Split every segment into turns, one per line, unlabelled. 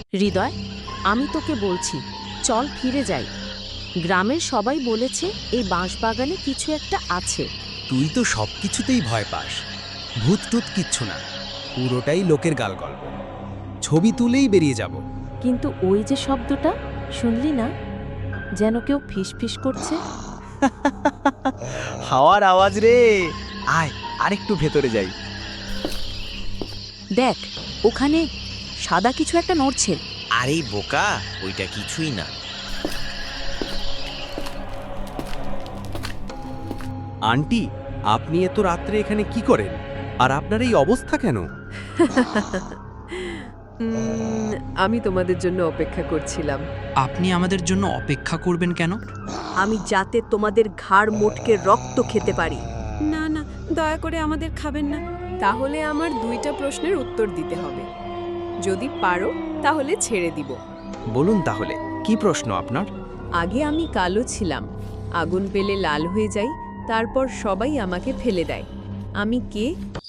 হৃদয়, আমি তোকে বলছি, চল ফিরে যাই। গ্রামের সবাই বলেছে এই বাঁশবাগানে কিছু একটা আছে।
তুই তো সব কিছুতেই ভয় পাস। ভূত টুত কিচ্ছু না, পুরোটাই লোকের গালগল্প। ছবি তুলেই বেরিয়ে যাব।
কিন্তু ওই যে শব্দটা শুনলি না, যেন কেউ ফিসফিস করছে।
হাওয়ার আওয়াজ রে। আয় আরেকটু ভেতরে যাই।
দেখ, ওখানে সাদা কিছু একটা নড়ছে।
আরে বোকা, ওইটা কিছুই না।
আন্টি, আপনি এত রাত্রে এখানে কি করেন? আর আপনার এই অবস্থা কেন?
আমি তোমাদের জন্য অপেক্ষা করছিলাম।
আপনি আমাদের জন্য অপেক্ষা করবেন কেন?
আমি যাতে তোমাদের ঘাড় মোটকে রক্ত খেতে পারি।
না না, দয়া করে আমাদের খাবেন না। তাহলে আমার 2টা প্রশ্নের উত্তর দিতে হবে। যদি পারো তাহলে ছেড়ে দিব।
বলুন তাহলে, কি প্রশ্ন আপনার?
আগে আমি কালো ছিলাম, আগুন পেলে লাল হয়ে যাই, তারপর সবাই আমাকে ফেলে দেয়। আমি কে?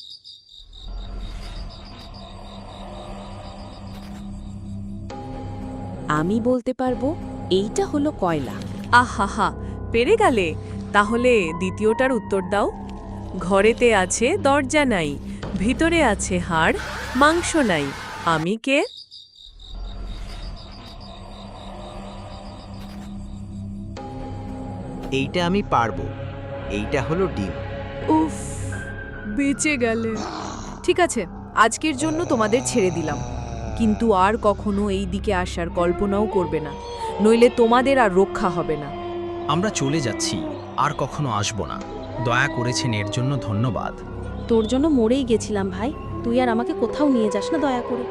আমি বলতে পারবো, এইটা হলো কয়লা।
আহা, পেরে গেলে। তাহলে দ্বিতীয়টার উত্তর দাও। ঘরেতে আছে দরজা নাই, ভিতরে আছে হাড়, মাংস নাই। আমি কে?
এইটা আমি পারবো। এইটা হলো ডিম।
উফ, বেঁচে গেলে। ঠিক আছে, আজকের জন্য তোমাদের ছেড়ে দিলাম, কিন্তু আর কখনো এই দিকে আসার কল্পনাও করবে না, নইলে তোমাদের আর রক্ষা হবে না।
আমরা চলে যাচ্ছি, আর কখনো আসব না। দয়া করেছেন এর জন্য ধন্যবাদ।
তোর জন্য মরেই গেছিলাম ভাই, তুই আর আমাকে কোথাও নিয়ে যাস না দয়া করে।